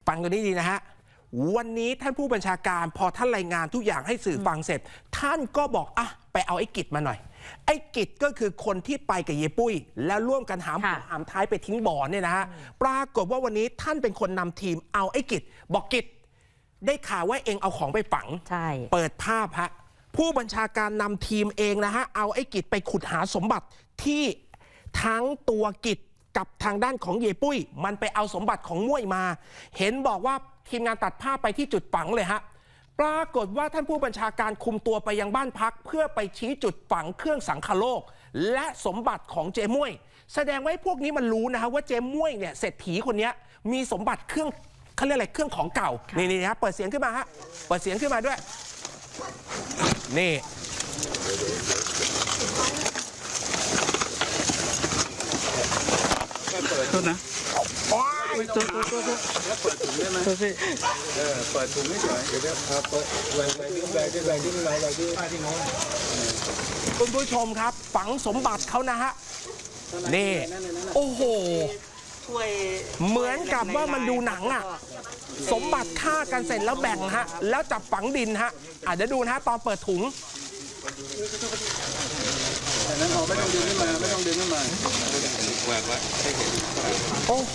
ฟังกันนี้ดีนะฮะวันนี้ท่านผู้บัญชาการพอท่านรายงานทุกอย่างให้สื่อฟังเสร็จท่านก็บอกอ่ะไปเอาไอ้กิจมาหน่อยไอ้กิจก็คือคนที่ไปกับเยปุ้ยแล้วร่วมกันหามหัวหามท้ายไปทิ้งบ่อเนี่ยนะฮะปรากฏว่าวันนี้ท่านเป็นคนนำทีมเอาไอ้กิจบอกกิจได้ข่าวว่าเองเอาของไปฝังใช่เปิดภาพฮะผู้บัญชาการนำทีมเองนะฮะเอาไอ้กิจไปขุดหาสมบัติที่ทั้งตัวกิจกับทางด้านของเยปุ้ยมันไปเอาสมบัติของม่วยมาเห็นบอกว่าทีมงานตัดภาพไปที่จุดฝังเลยฮะปรากฏว่าท่านผู้บัญชาการคุมตัวไปยังบ้านพักเพื่อไปชี้จุดฝังเครื่องสังคโลกและสมบัติของเจม่วยแสดงว่าพวกนี้มันรู้นะฮะว่าเจม่วยเนี่ยเศรษฐีคนนี้มีสมบัติเครื่องเขาเรียกอะไรเครื่องของเก่านี่ฮะเปิดเสียงขึ้นมาฮะเปิดเสียงขึ้นมาด้วยนี่โทษนะตัวแล้วเปิดถุงได้ไหมพี่เปิดถุงไม่เฉยเดี๋ยวครับเปิดแหวนที่แหวนที่ป้าที่น้องคุณผู้ชมครับฝังสมบัติเขานะฮะนี่โอ้โหเหมือนกับว่ามันดูหนังอ่ะสมบัติฆ่ากันเสร็จแล้วแบ่งฮะแล้วจับฝังดินฮะเดี๋ยวดูนะฮะตอนเปิดถุงแต่นั้นไม่ต้องดึงขึ้นมาไม่ต้องดึงขึ้นมาแหวกไว้ให้เห็นโอ้โห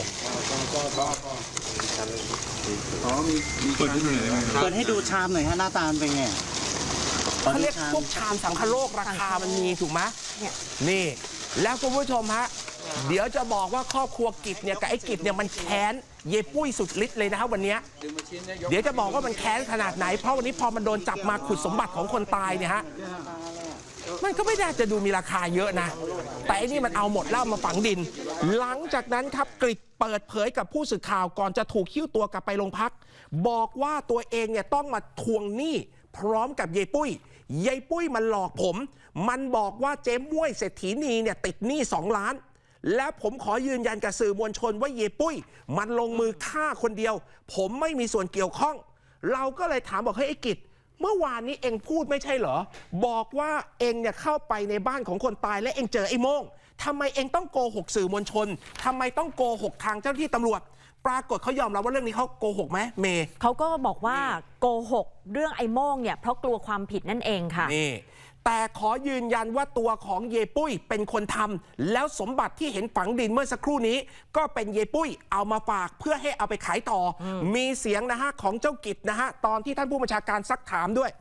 อ๋อมีเปิดให้ดูชามหน่อยฮะหน้าตาเป็นไงเขาเรียกพวกชามสังคโลกราคามันมีถูกไหมนี่แล้วคุณผู้ชมฮะเดี๋ยวจะบอกว่าครอบครัวกิจเนี่ยกับไอ้กิจเนี่ยมันแค้นเยปุ้ยสุดฤทธิ์เลยนะครับวันนี้เดี๋ยวจะบอกว่ามันแค้นขนาดไหนเพราะวันนี้พอมันโดนจับมาขุดสมบัติของคนตายเนี่ยฮะมันก็ไม่ได้จะดูมีราคาเยอะนะแต่อันนี้มันเอาหมดแล้วมาฝังดินหลังจากนั้นครับกฤษเปิดเผยกับผู้สื่อข่าวก่อนจะถูกหิ้วตัวกลับไปโรงพักบอกว่าตัวเองเนี่ยต้องมาทวงหนี้พร้อมกับยายปุ้ยมันหลอกผมมันบอกว่าเจ๊ม่วยเศรษฐีนีเนี่ยติดหนี้2 ล้านแล้วผมขอยืนยันกับสื่อมวลชนว่าเยปุ้ยมันลงมือฆ่าคนเดียวผมไม่มีส่วนเกี่ยวข้องเราก็เลยถามบอกให้ไอ้กิจเมื่อวานนี้เองพูดไม่ใช่เหรอบอกว่าเองเนี่ยเข้าไปในบ้านของคนตายและเองเจอไอ้โม่งทำไมเองต้องโกหกสื่อมวลชนทำไมต้องโกหกทางเจ้าหน้าที่ตำรวจปรากฏเขายอมรับว่าเรื่องนี้เขาโกหกไหมเมย์เขาก็บอกว่าโกหกเรื่องไอ้โม่งเนี่ยเพราะกลัวความผิดนั่นเองค่ะนี่แต่ขอยืนยันว่าตัวของเยปุ้ยเป็นคนทำแล้วสมบัติที่เห็นฝังดินเมื่อสักครู่นี้ก็เป็นเยปุ้ยเอามาฝากเพื่อให้เอาไปขายต่อมีเสียงนะฮะของเจ้ากิจนะฮะตอนที่ท่านผู้บัญชาการซักถามด้วย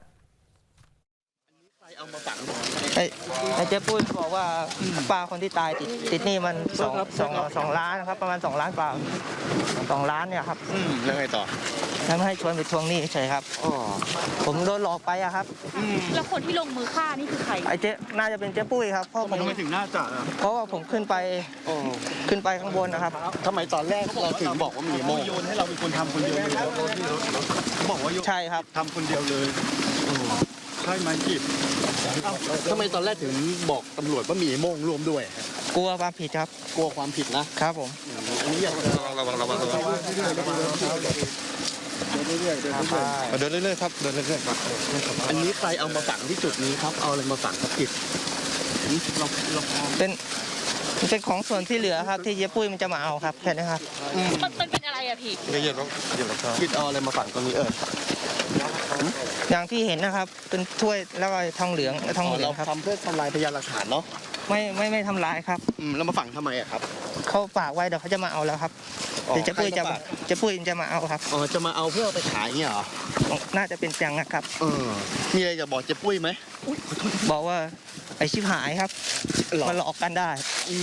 เอามาฝังไอ้เจ๊ปุ้ยบอกว่าป้าคนที่ตายติดหนี้มัน2 ล้านครับประมาณ2 ล้านกว่า2 ล้านเนี่ยครับแล้วไงต่อแล้วให้ชวนไปทวงหนี้เฉยครับผมโดนหลอกไปอะครับแล้วคนที่ลงมือฆ่านี่คือใครไอ้เจ๊น่าจะเป็นเจ๊ปุ้ยครับเพราะผมไม่ถึงน่าจะเพราะว่าผมขึ้นไปข้างบนนะครับทำไมตอนแรกเราถึงบอกว่ามีโมโยนให้เราเป็นคนทำคนเดียวเลยเขาบอกว่าใช่ครับทำคนเดียวเลยใช่ไหมกิจทำไมตอนแรกถึงบอกตำรวจว่ามีโม่งร่วมด้วยกลัวความผิดครับกลัวความผิดนะครับผมอันนี้อย่างระวังเดินเรื่อยๆครับเดินเรื่อยๆครับอันนี้ใครเอามาฝังที่จุดนี้ครับเอาอะไรมาฝังครับกิจเป็นของส่วนที่เหลือครับที่เจ๊ปุ้ยมันจะมาเอาครับแค่นี้ครับมันเป็นอะไรอะพี่เยอะกิจเอาอะไรมาฝังตรงนี้อย่างที่เห็นนะครับเป็นถ้วยแล้วก็ทองเหลืองครับทำเพื่อทำลายพยานหลักฐานเนาะไม่ทำลายครับแล้วมาฝังทำไมอะครับเขาฝากไว้เดี๋ยวเขาจะมาเอาแล้วครับเดี๋ยวเจ๊ปุ้ยจะมาเอาครับจะมาเอาเพื่อไปขายเงี้ยเหรอน่าจะเป็นจังนะครับมีอะไรจะบอกเจ๊ปุ้ยไหมบอกว่าไอชิบหายครับมาหลอกกันได้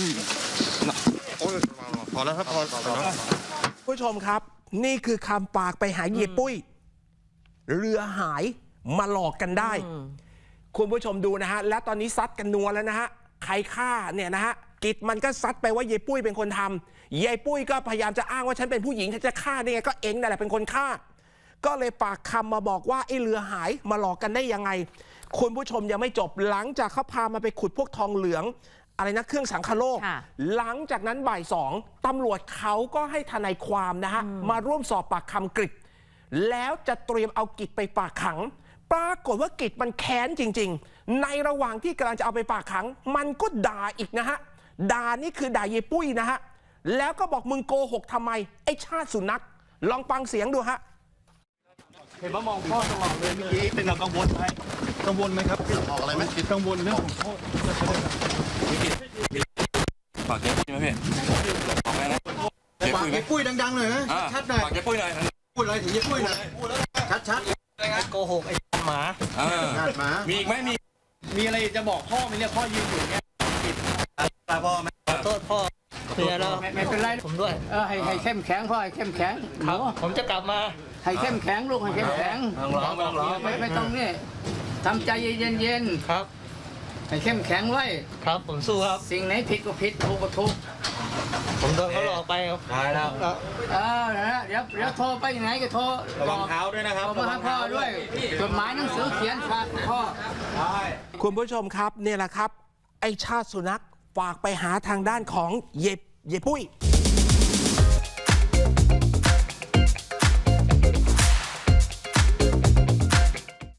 พอแล้วครับพอแล้วผู้ชมครับนี่คือคำปากไปหาเยปุ้ยเรือหายมาหลอกกันได้คุณผู้ชมดูนะฮะและตอนนี้ซัดกันนัวแล้วนะฮะใครฆ่าเนี่ยนะฮะกิจมันก็ซัดไปว่าเยปุ้ยเป็นคนทำเยปุ้ยก็พยายามจะอ้างว่าฉันเป็นผู้หญิงฉันจะฆ่าได้ไงก็เองนั่นแหละเป็นคนฆ่าก็เลยปากคำมาบอกว่าไอ้เรือหายมาหลอกกันได้ยังไงคุณผู้ชมยังไม่จบหลังจากเขาพามาไปขุดพวกทองเหลืองอะไรนะเครื่องสังคโลกหลังจากนั้นบ่าย2ตำรวจเขาก็ให้ทนายความนะฮะมาร่วมสอบปากคำกฤษแล้วจะเตรียมเอากิจไปฝากขังปรากฏว่ากิจมันแค้นจริงๆในระหว่างที่กำลังจะเอาไปฝากขังมันก็ด่าอีกนะฮะด่านี่คือด่าเยปุ้ยนะฮะแล้วก็บอกมึงโกหกทำไมไอ้ชาติสุนัขลองฟังเสียงดูฮะเห็นว่ามองพ่อตลอดเลยเมื่อกี้เป็นเรากังวลไหมครับออกอะไรไหมกังวลเรื่องของพ่อฝากเจ๊ปุ้ยไหมพี่บอกไปนะเจ๊ฝากปุ้ยไหมเจ๊ปุ้ยดังๆหน่อยนะชัดๆหน่อยฝากเจ๊ปุ้ยหน่อยพูดอะไรถึงเจ๊ปุ้ยหน่อยชัดโกหกไอ้หมาๆงานหมามีอีกไหมมีอะไรจะบอกพ่อไหมเนี่ยพ่อยืนอยู่เนี่ยตาพ่อไหมขอโทษพ่อเพื่อแล้วไม่เป็นไรผมด้วยให้เข้มแข็งพ่อให้เข้มแข็งครับผมจะกลับมาให้เข้มแข็งลูกให้เข้มแข็งร้องไม่ต้องนี่ทำใจเย็นครับๆให้เข้มแข็งไว้ครับผมสู้ครับสิ่งไหนผิดก็ผิดถูกก็ถูกผมโดนเขาหลอกไปครับได้แล้วนะเดี๋ยวโทรไปไหนก็โทรระวังเท้าด้วยนะครับโทรมาหาพ่อด้วยจดหมายหนังสือเขียนฝากพ่อคุณผู้ชมครับเนี่ยแหละครับ ไอ้ชาติสุนัขฝากไปหาทางด้านของเยปุ้ย